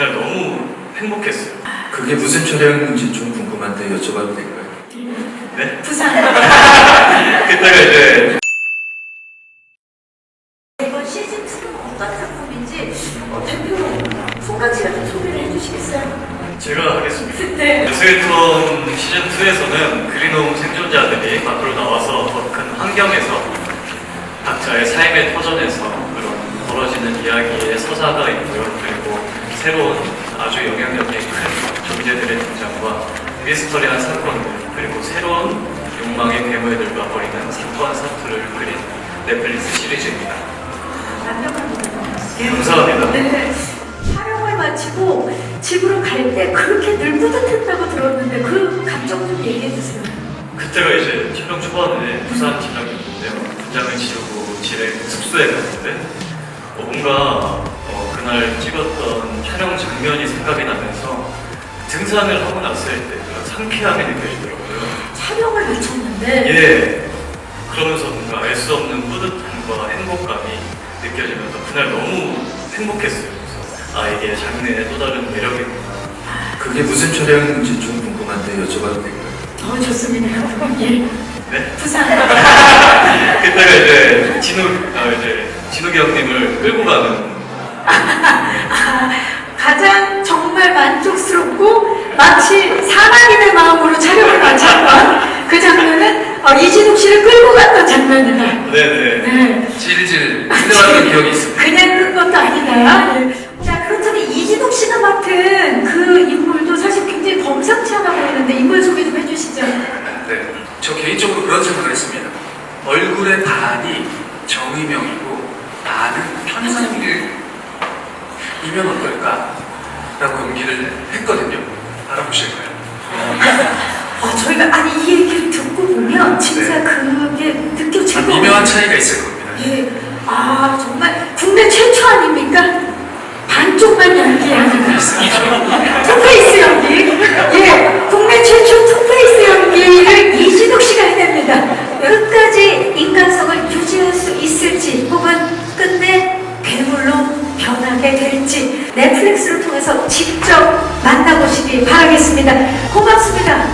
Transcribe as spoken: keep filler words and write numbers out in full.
그날 너무 행복했어요. 그게 무슨 촬영인지 좀 궁금한데 여쭤봐도 될까요? 네? 부산. 그때가 이제 이번 시즌 이는 어떤 작품인지 어, 대표로 송강 씨가 좀 소개를 해주시겠어요? 제가 하겠습니다. 네. 스웨톤 시즌이에서는 그린홈 생존자들이 밖으로 나와서 더 큰 환경에서 각자의 삶의 터전에서 그런 벌어지는 이야기의 서사가 있고요. 그리고 새로운 아주 영향력이 큰 존재들의 등장과 미스터리한 사건들, 그리고 새로운 욕망의 괴물들과 벌이는 사건 사투를 그린 넷플릭스 시리즈입니다. 완벽합니다. 감사합니다. 네. 촬영을 마치고 집으로 갈 때 그렇게 늘 뿌듯했다고 들었는데 그 감정 좀 얘기해 주세요. 그때가 이제 촬영 초반에 부산 진학이었는데요. 분장을 지우고 집에 숙소에 갔는데 어, 뭔가 어, 그날 찍었던 촬영 장면이 생각이 나면서 등산을 하고 났을 때 그런 상쾌함이 느껴지더라고요. 촬영을 마쳤는데 예. 그러면서 뭔가 알 수 없는 뿌듯함과 행복감이 느껴지면서 그날 너무 행복했어요. 그래서 아, 이게 장르의 또 다른 매력이구나. 그게 무슨 촬영인지 좀 궁금한데 여쭤봐도 될까요? 어 좋습니다. 예. 네? 부산. 그때가 이제 진욱, 아, 이제 진욱이 형님을 끌고 가는 아, 가장 정말 만족스럽고 마치 사랑인의 마음으로 촬영을 마쳤던 그 장면은 어, 이진욱 씨를 끌고 갔던 장면이다. 네네. 네. 질질 흘러갔던 기억이 있습니다. 그냥 끈 것도 아니다. 예. 자, 그렇다면 이진욱 씨가 맡은 그 인물도 사실 굉장히 범상치 않아 보이는데 인물 소개 좀 해주시죠. 네, 저 개인적으로 그런 생각을 했습니다. 얼굴의 반이 정의명이고 반은 편상길이면 어떨까? 라고 연기를 했거든요. 알아보실까요? 아, 저희가 아니 이 얘기를 듣고 보면 진짜 네. 그게 느껴질 것 미묘한 차이가 있을 겁니다. 예. 아, 정말 국내 최초 아닙니까? 반쪽만 연기하는 투페이스 연기. 예, 국내 최초 투페이스 연기를 이진욱 씨가 해냅니다. 끝까지 인간성을 유지할 수 있을지 혹은 끝내 괴물로 변하게 될지 넷플릭스를 통해서 직접 만나보시기 바라겠습니다. 고맙습니다.